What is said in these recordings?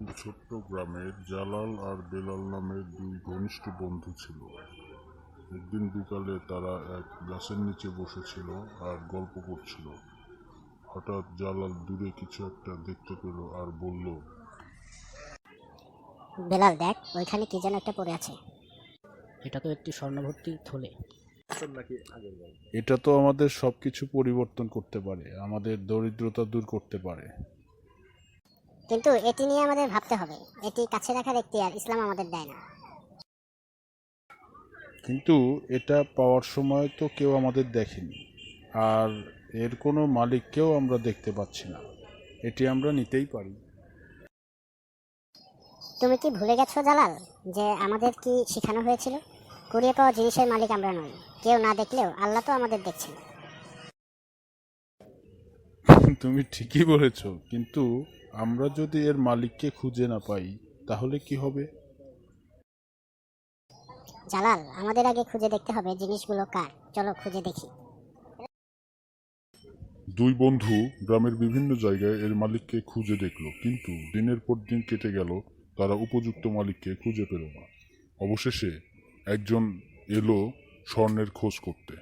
ছোট্ট গ্রামে জালাল আর বেলাল নামের দুই ঘনিষ্ঠ বন্ধু ছিল। একদিন বিকালে তারা এক গাছের নিচে বসেছিল আর গল্প করছিল। হঠাৎ জালাল দূরে কিছু একটা দেখতে পেল আর বলল, বেলাল, দেখ, ওইখানে কি যেন একটা পড়ে আছে। এটা তো একটি স্বর্ণভর্তি থলে। এটা তো আমাদের সবকিছু পরিবর্তন করতে পারে, আমাদের দরিদ্রতা দূর করতে পারে। কিন্তু এটি নিয়ে আমাদের ভাবতে হবে। এটি কাছে রাখার এখতিয়ার ইসলাম আমাদের দেয় না। কিন্তু এটা পাওয়ার সময় তো কেউ আমাদের দেখেনি, আর এর কোনো মালিককেও আমরা দেখতে পাচ্ছি না। এটি আমরা নিতেই পারি। তুমি কি ভুলে গেছো জালাল, যে আমাদের কি শেখানো হয়েছিল? কুড়িয়ে পাওয়া জিনিসের মালিক আমরা নই। কেউ না দেখলেও আল্লাহ তো আমাদের দেখছেন। তুমি ঠিকই বলেছ, কিন্তু আমরা যদি এর মালিককে খুঁজে না পাই তাহলে কি হবে? জালাল, আমাদের আগে খুঁজে দেখতে হবে জিনিসগুলো কার। চলো খুঁজে দেখি। দুই বন্ধু গ্রামের বিভিন্ন জায়গায় এর মালিককে খুঁজে দেখল, কিন্তু দিনের পর দিন কেটে গেল, তারা উপযুক্ত মালিককে খুঁজে পেল না। অবশেষে একজন এলো স্বর্ণের খোঁজ করতে।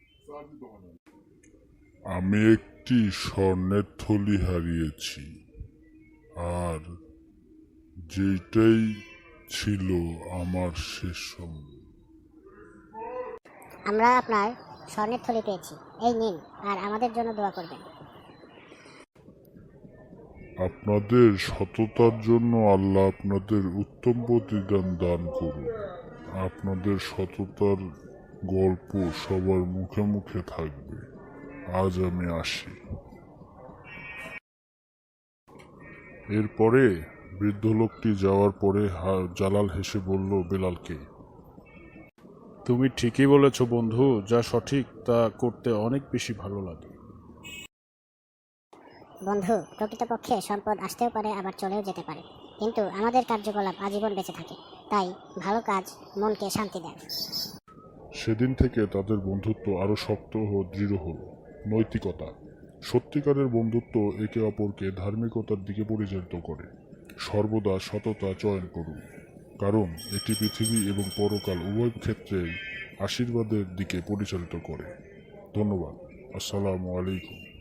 আমি একটি স্বর্ণের থলি হারিয়েছি, আর যেটাই ছিল আমার শেষ সম্বল। আমরা আপনার স্বর্ণের থলি পেয়েছি, এই নিন, আর আমাদের জন্য দোয়া করবেন। আপনাদের সততার জন্য আল্লাহ আপনাদের উত্তম প্রতিদান দান করুন। আপনাদের সততার গল্প সবার মুখে মুখে থাকবে। আজ আমি আসি। এরপরে বৃদ্ধ লোকটি যাওয়ার পরে জালাল হেসে বলল বেলালকে, তুমি ঠিকই বলেছ বন্ধু, যা সঠিক তা করতে অনেক বেশি ভালো লাগে। বন্ধু, প্রকৃতপক্ষে সম্পদ আসতেও পারে, আবার চলেও যেতে পারে, কিন্তু আমাদের কার্যকলাপ আজীবন বেঁচে থাকে। তাই ভালো কাজ মনকে শান্তি দেয়। সেদিন থেকে তাদের বন্ধুত্ব আরো শক্ত ও দৃঢ় হলো। নৈতিকতা, সত্যিকারের বন্ধুত্ব একে অপরকে ধার্মিকতার দিকে পরিচালিত করে। সর্বদা সততা চয়ন করুন, কারণ এটি পৃথিবী এবং পরকাল উভয় ক্ষেত্রেই আশীর্বাদের দিকে পরিচালিত করে। ধন্যবাদ। আসসালামু আলাইকুম।